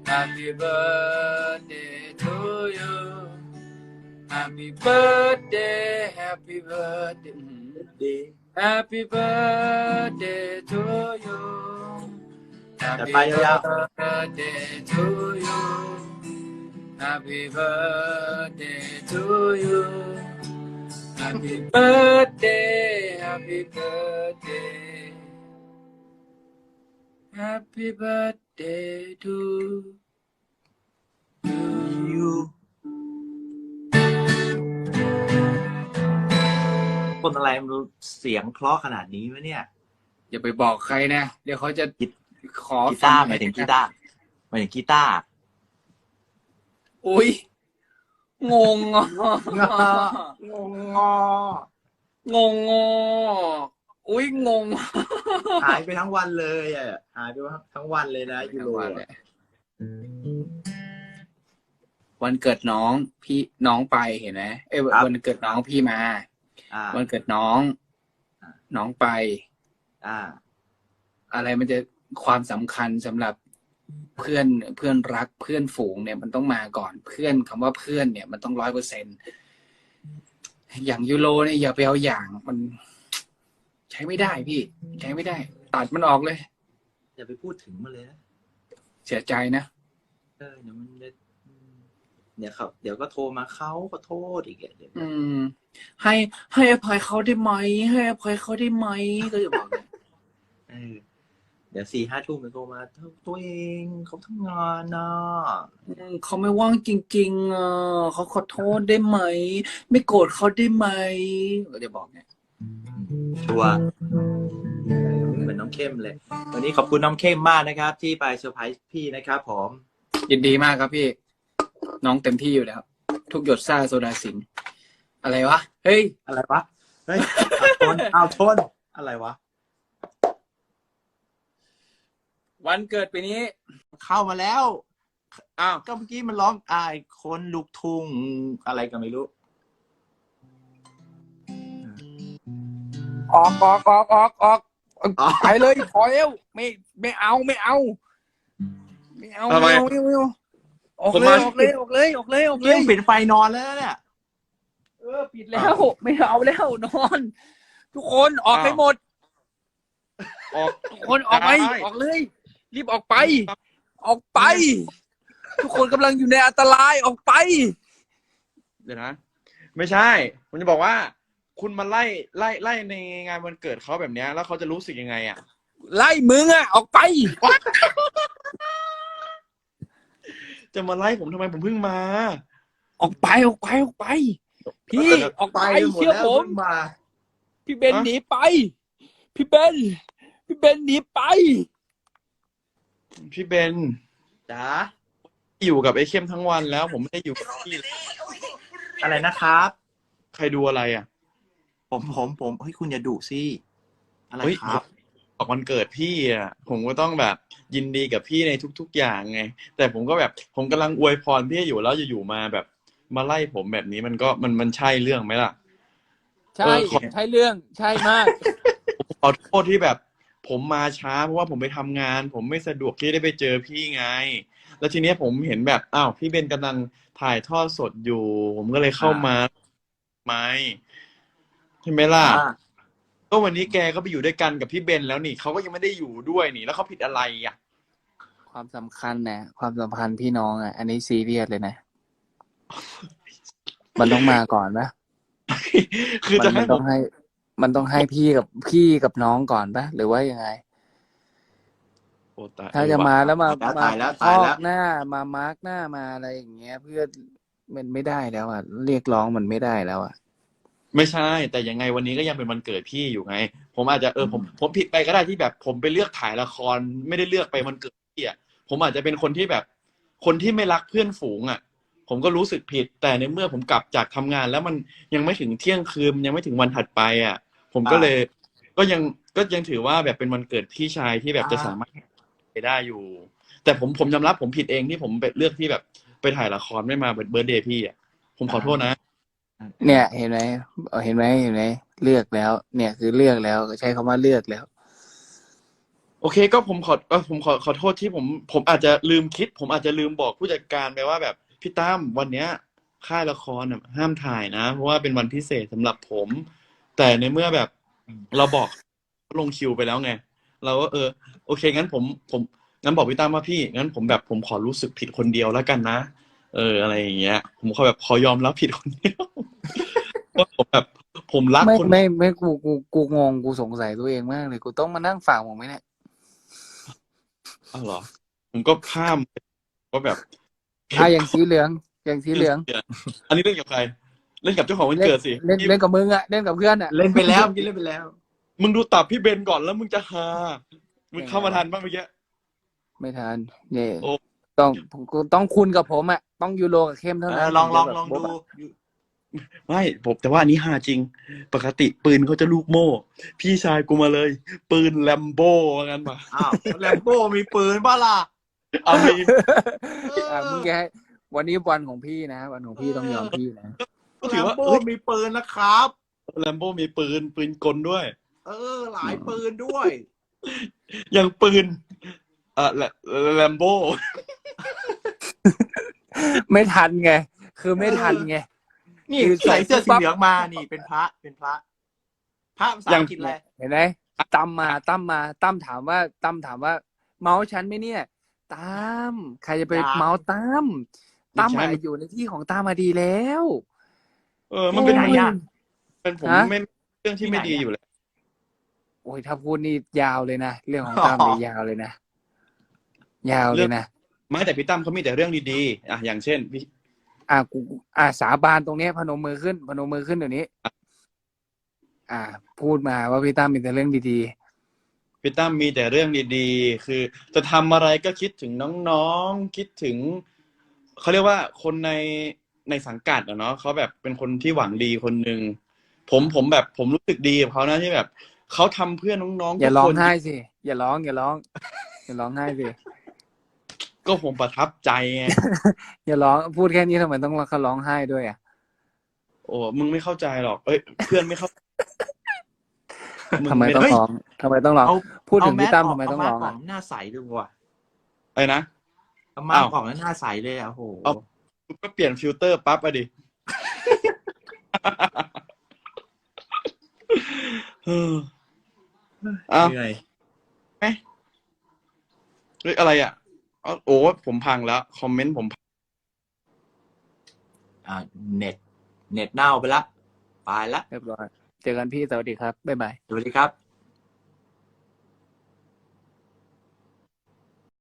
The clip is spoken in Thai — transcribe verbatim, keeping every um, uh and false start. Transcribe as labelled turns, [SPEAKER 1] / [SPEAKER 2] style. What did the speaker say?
[SPEAKER 1] Happy birthday to you Happy birthday Happy birthday Happy birthday to you Happy birthday to you Happy birthday to you Happy birthday Happy birthday Happy birthday to
[SPEAKER 2] you คนอะไรมันเสียงเพราะขนาดนี้วะเนี่ย
[SPEAKER 1] อย่าไปบอกใครนะเดี๋ยวเขาจะขอ
[SPEAKER 2] กีตาร์หมายถึงกีตาร์หมายถึงกีตาร์
[SPEAKER 1] อุ้ยงงอ่ะ
[SPEAKER 2] งงง
[SPEAKER 1] งงงอุ้ยงง
[SPEAKER 2] หายไปทั้งวันเลยอ่ะหายไปทั้งวันเลยนะยูโร
[SPEAKER 1] วันเกิดน้องพี่น้องไปเห็นไหมเอ้ยวันเกิดน้องพี่มาวันเกิดน้องน้องไป
[SPEAKER 2] อ่า
[SPEAKER 1] อะไรมันจะความสำคัญสำหรับเพื่อนเพื่อนรักเพื่อนฝูงเนี่ยมันต้องมาก่อนเพื่อนคำว่าเพื่อนเนี่ยมันต้องร้อยเปอร์เซ็นต์อย่างยูโรเนี่ยอย่าไปเอาอย่างมันใช้ไม่ได้พี่ใช้ไม่ได้ตัดมันออกเลย
[SPEAKER 2] อย่าไปพูดถึงมันเลยนะ
[SPEAKER 1] เสียใจนะ
[SPEAKER 2] เออเดี๋ยวมันเดี๋ยวครับเดี๋ยวก็โทรมาเขาก็โทษอีกเดี๋ยว
[SPEAKER 1] อืมให้ให้อภัยเขาได้ไหมให้อภัยเขาได้ไหมก็จะบอก
[SPEAKER 2] เออเดี๋ยวสี่ห้าทุ่มมันโทรมาตัวเองเขาทำงานนะ
[SPEAKER 1] เขาไม่ว่างจริงๆอ่ะเขาขอโทษได้ไหมไม่โกรธเขาได้ไหมก็จะบอกเนี่ย
[SPEAKER 2] ชัวร์เหมือนน้องเข้มเลยวันนี้ขอบคุณน้องเข้มมากนะครับที่ไปเซอร์ไพรส์พี่นะครับผม
[SPEAKER 1] ยินดีมากครับพี่น้องเต็มที่อยู่แล้วทุกหยดซ่าโซดาสิงอะไรวะเฮ้ย
[SPEAKER 2] อะไรวะเฮ้ยชนเอาชนอะไรวะ
[SPEAKER 1] วันเกิดปีนี้
[SPEAKER 2] เข้ามาแล้วอ้าวก็เมื่อกี้มันร้องอายคนลูกทุ่งอะไรก็ไม่รู้
[SPEAKER 1] ออกออกออกออกออกไปเลยพอแล้วไม่ไม่เอาไม่เอาไม่เอาไม่เอาไม่เอาออกเลยออกเลยออกเลยออกเลยออกเลย
[SPEAKER 2] ปิดไฟนอนแล้วเนี่ย
[SPEAKER 1] เออปิดแล้วไม่เอาแล้วนอนทุกคนออกให้หมดออกทุกคนออกไปออกเลยรีบออกไปออกไปทุกคนกำลังอยู่ในอันตรายออกไป
[SPEAKER 3] เดี๋ยวนะไม่ใช่ผมจะบอกว่าคุณมาไล่ไล่ไล่ในงานวันเกิดเขาแบบนี้แล้วเขาจะรู้สึกยังไงอ่ะ
[SPEAKER 1] ไล่มึงอ่ะออกไป
[SPEAKER 3] จะมาไล่ผมทำไมผมเพิ่งมา
[SPEAKER 1] ออกไปออกไปออกไปพี่ออกไปเชื่อผมพี่เบนหนีไปพี่เบนพี่เบนหนีไป
[SPEAKER 3] พี่เบน
[SPEAKER 2] จ๋า
[SPEAKER 3] อยู่กับไอ้เข้มทั้งวันแล้วผมไม่ได้อยู่กับพี่
[SPEAKER 2] อะไรนะครับ
[SPEAKER 3] ใครดูอะไรอ่ะ
[SPEAKER 2] ผมผมผมเฮ้ยคุณอย่าดุสิอะไรครับ
[SPEAKER 3] ออกวันเกิดพี่อ่ะผมก็ต้องแบบยินดีกับพี่ในทุกๆอย่างไงแต่ผมก็แบบผมกำลังอวยพรพี่อยู่แล้วอยู่ๆมาแบบมาไล่ผมแบบนี้มันก็มันมันใช่เรื่องไหมล่ะ
[SPEAKER 1] ใช่ใช่เรื่องใช่มาก
[SPEAKER 3] ขอโทษที่แบบผมมาช้าเพราะว่าผมไปทำงานผมไม่สะดวกที่ได้ไปเจอพี่ไงแล้วทีเนี้ยผมเห็นแบบอ้าวพี่เบนกำลังถ่ายทอดสดอยู่ผมก็เลยเข้ามาไหมใช่ไหมล่ะก็วันนี้แกก็ไปอยู่ด้วยกันกับพี่เบนแล้วนี่เขาก็ยังไม่ได้อยู่ด้วยนี่แล้วเขาผิดอะไรอ่ะ
[SPEAKER 1] ความสำคัญนะความสัมพันธ์พี่น้องอ่ะอันนี้ซีเรียสเลยนะมันต้องมาก่อนนะ
[SPEAKER 3] คือจะให้
[SPEAKER 1] ต้องให้มันต้องให้พี่กับพี่กับน้องก่อนปะหรือว่ายังไงถ้าจะมาแล้วมามาพอกหน้ามามาร์กหน้ามาอะไรอย่างเงี้ยเพื่อมันไม่ได้แล้วอ่ะเรียกร้องมันไม่ได้แล้วอ่ะ
[SPEAKER 3] ไม่ใช่แต่ยังไงวันนี้ก็ยังเป็นวันเกิดพี่อยู่ไงผมอาจจะเออผมผมผิดไปก็ได้ที่แบบผมไปเลือกถ่ายละครไม่ได้เลือกไปวันเกิดพี่อ่ะผมอาจจะเป็นคนที่แบบคนที่ไม่รักเพื่อนฝูงอ่ะผมก็รู้สึกผิดแต่ในเมื่อผมกลับจากทำงานแล้วมันยังไม่ถึงเที่ยงคืนยังไม่ถึงวันถัดไปอ่ะผมก็เลยก็ยังก็ยังถือว่าแบบเป็นวันเกิดพี่ชายที่แบบจะสามารถไปได้อยู่แต่ผมผมยอมรับผมผิดเองที่ผมไปเลือกที่แบบไปถ่ายละครไม่มาเบิร์ธเดย์พี่อ่ะผมขอโทษนะ
[SPEAKER 1] เนี่ยเห็นไหมเห็นไหมเห็นไหมเลือกแล้วเนี่ยคือเลือกแล้วใช้คำว่าเลือกแล้ว
[SPEAKER 3] โอเคก็ผมขอเออผมขอขอโทษที่ผมผมอาจจะลืมคิด ผมอาจจะลืมบอกผู้จัดการไปว่าแบบพี่ตั้มวันเนี้ยค่ายละครน่ะห้ามถ่ายนะ เพราะว่าเป็นวันพิเศษสำหรับผม แต่ในเมื่อแบบเราบอกลงคิวไปแล้วไง เราก็เออ โอเคงั้นผมผมงั้นบอกพี่ตั้มว่าพี่งั้นผมแบบผมขอรู้สึกผิดคนเดียวแล้วกันนะ เอออะไรอย่างเงี้ย ผมขอแบบขอยอมรับผิดคนเดียวว่าผมแบบผมรัก
[SPEAKER 1] ไม่
[SPEAKER 3] คน
[SPEAKER 1] ไม่ไม่กูกูกูงงกูสงสัยตัวเองมากเลยกูต้องมานั่งฟังมึงไหมเนี่ย
[SPEAKER 3] อ้าวเหรอ ผมก็ข้ามว่าแบบ
[SPEAKER 1] อ่ะอย่างสีเหลืองอย่างสีเหลือง
[SPEAKER 3] อันนี้เล่นกับใคร เล่นกับเจ้าของวัน
[SPEAKER 1] เล่น
[SPEAKER 3] เกิดสิ
[SPEAKER 1] เล่นเล่นกับมึงอะเล่นกับเพื่อนอะ
[SPEAKER 2] เล่นไปแล้วเมื่อกี้เล่นไปแล้ว
[SPEAKER 3] มึงดูตับพี่เบนก่อนแล้วมึงจะฮามึงเข้ามาทันบ้างเมื่อกี้
[SPEAKER 1] ไม่ทันเนี่ย
[SPEAKER 3] โอ้
[SPEAKER 1] ต้องต้องคุณกับผมอะต้องยูโรกับเข้มเท่า
[SPEAKER 2] เอ
[SPEAKER 1] นั้น
[SPEAKER 2] อลองลอง
[SPEAKER 1] ถึจะ
[SPEAKER 2] ลอง
[SPEAKER 1] แบบ
[SPEAKER 2] ดู
[SPEAKER 3] ไม่ผมแต่ว่าอันนี้ฮาจริง ปกติปืนเขาจะลูกโม่ พี่ชายกูมาเลย ปืนแลมโบ้ว่างั้นมา
[SPEAKER 2] อ้าวแลมโบ้มีปืนป่ะล่ะ
[SPEAKER 3] เอามี
[SPEAKER 1] อ่ะมึงแกให้วันนี้วันของพี่นะ วันของพี่ต้องยอมพี่นะ
[SPEAKER 3] ก็
[SPEAKER 2] แล
[SPEAKER 3] ถือ
[SPEAKER 2] ม
[SPEAKER 3] ว่า
[SPEAKER 2] โบ้
[SPEAKER 3] เอ้ย
[SPEAKER 2] มีปืนนะครับ
[SPEAKER 3] แลมโบ้มีปืนปืนกลด้วย
[SPEAKER 2] เออ หลายปืนด้วย
[SPEAKER 3] อย่างปืนเอ่อแลแลมโบ้
[SPEAKER 1] ไม่ทันไง คือไม่ทันไง
[SPEAKER 2] นี่
[SPEAKER 1] คือ
[SPEAKER 2] ใส่เสื้อ
[SPEAKER 1] ใส่
[SPEAKER 2] สีเหลืองมานี่เป็นพระเป็นพระ พระภาษาอังกฤษอะไร
[SPEAKER 1] เห็นไหมตั้มมาตั้มมาตั้มถามว่าตั้มถามว่า เมาส์ฉันไหมเนี่ยตั้มใครจะไป
[SPEAKER 2] อยาก
[SPEAKER 1] เมาส์ตั้มตั้ม
[SPEAKER 3] ไม่
[SPEAKER 1] มา
[SPEAKER 3] ใช่
[SPEAKER 1] อยู่ในที่ของตั้มมาดีแล้ว
[SPEAKER 3] เออ มันเป็น
[SPEAKER 2] ไหนอะ
[SPEAKER 3] เป็นผม
[SPEAKER 1] ฮะ
[SPEAKER 3] ไม่เรื่องที่ไม่ดีอยู่แล้ว
[SPEAKER 1] โอ้ยถ้าพูดนี่ยาวเลยนะเรื่องของตั้มนี่ยาวเลยนะยาวเลยนะ
[SPEAKER 3] ไม่แต่พี่ตั้มเขามีแต่เรื่องดีๆ อ่ะอย่างเช่นพี่
[SPEAKER 1] อ่ะกูอ่ะสาบานตรงเนี้ยพนมมือขึ้นพนมมือขึ้นเดี๋ยวนี้ อ่า พูดมาว่าพี่ตั้มมีแต่เรื่องดี
[SPEAKER 3] พี่ตั้มมีแต่เรื่องดีๆ คือจะทำอะไรก็คิดถึงน้องๆ คิดถึงเขาเรียกว่าคนในในสังกัดอะเนาะเขาแบบเป็นคนที่หวังดีคนหนึ่งผมผมแบบผมรู้สึกดีกับเขานะที่แบบเขาทำเพื่อน้อง
[SPEAKER 1] ๆ
[SPEAKER 3] ๆ
[SPEAKER 1] อย่า
[SPEAKER 3] ทุก
[SPEAKER 1] ร้อ
[SPEAKER 3] ค
[SPEAKER 1] ง
[SPEAKER 3] น
[SPEAKER 1] ไห้สิอย่าร้องอย่าร้อง อย่าร้องไห้สิ
[SPEAKER 3] ก็ผมประทับใจไง
[SPEAKER 1] อย่าร้องพูดแค่นี้ทำไมต้องเขาร้องไห้ด้วยอ่ะ
[SPEAKER 3] โอ้มึงไม่เข้าใจหรอก เอ้ยเพื่อนไม่เข้า
[SPEAKER 1] ทำไมต้อง
[SPEAKER 3] เฮ้ย
[SPEAKER 1] ร้องทำไมต้องร้อง
[SPEAKER 2] เอา
[SPEAKER 1] พูดถึง
[SPEAKER 2] เอาแม
[SPEAKER 1] พี่
[SPEAKER 2] ส
[SPEAKER 1] ตั้ม
[SPEAKER 2] ออก
[SPEAKER 1] ทำไมต้อง
[SPEAKER 2] เอา
[SPEAKER 1] ร้อง
[SPEAKER 2] มาสอ
[SPEAKER 1] อ่ะ
[SPEAKER 2] กหน้าใสดูว่ะ
[SPEAKER 3] อะไรนะ
[SPEAKER 2] เอามา
[SPEAKER 3] อ้าว
[SPEAKER 2] ออกแล้วหน้าใสเลยอ่ะโอ้โห
[SPEAKER 3] เอา ก็เปลี่ยนฟิลเตอร์ปั๊บอะดิ เอออ้าว
[SPEAKER 2] เหนื่อย
[SPEAKER 3] เฮ้ยอะไรอ่ะเอาโอ้ผมพังแล้ว คอมเมนต์ผมพัง
[SPEAKER 2] อ่าเน็ต เน็ตเน่าไปละไปละ
[SPEAKER 1] เรียบร้อยเจอกันพี่สวัสดีครับบ๊ายบาย
[SPEAKER 2] สวัสดีครับ